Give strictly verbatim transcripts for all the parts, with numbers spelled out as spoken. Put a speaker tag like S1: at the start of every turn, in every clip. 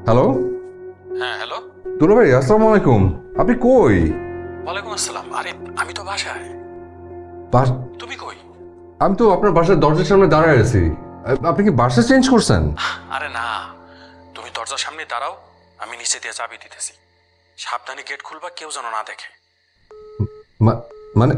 S1: Hello.
S2: হ্যাঁ hello.
S1: দুলা ভাই আসসালামু আলাইকুম, আপনি কই?
S2: ওয়ালাইকুম আসসালাম। আরে আমি তো বাসায়।
S1: বাস
S2: তুমি কই?
S1: আমি তো আপনার বাসার দরজার সামনে দাঁড়ায় আছি। আ- আপনি কি বাসা চেঞ্জ করছেন?
S2: আরে না, তুমি দরজার সামনে দাঁড়াও, আমি নিচে দিয়ে চাবি দিতেছি। সাবধানে গেট খুলবা, কেউ যেন না দেখে।
S1: মা- মানে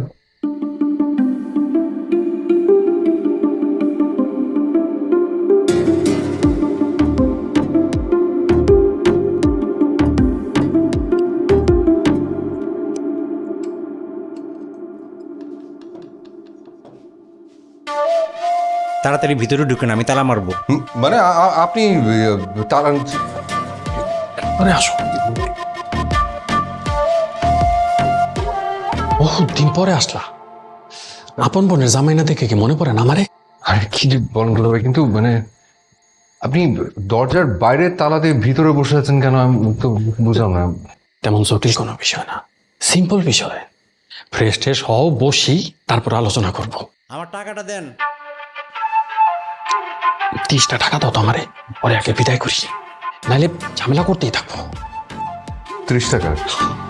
S3: তাড়াতাড়ি ভিতরে ঢুকেন, আমি তালা মারবো।
S1: হুম, মানে আ- আ- আপনি আ, তার
S2: আরে আসো। বহুত দিন পরে আসলা, আপন বোনের জামাইনা দেখে কি মনে পড়ে না আমারে?
S1: আরে কি যে বলেন দুলা ভাই, কিন্তু মানে আপনি দরজার বাইরে তালা দিয়ে ভিতরে বসে আছেন কেন, আমি তো বুঝলাম না।
S2: তেমন জটিল কোনো বিষয় না, সিম্পল বিষয়। ফ্রেশ ট্রেশ হও, বসি, তারপর আলোচনা করব।
S3: আমার টাকাটা দেন।
S2: তিরিশটা টাকা দাও তো আমারে, পরে আগে বিদায় করি, নাহলে ঝামেলা করতেই থাকবো।
S1: ত্রিশ টাকা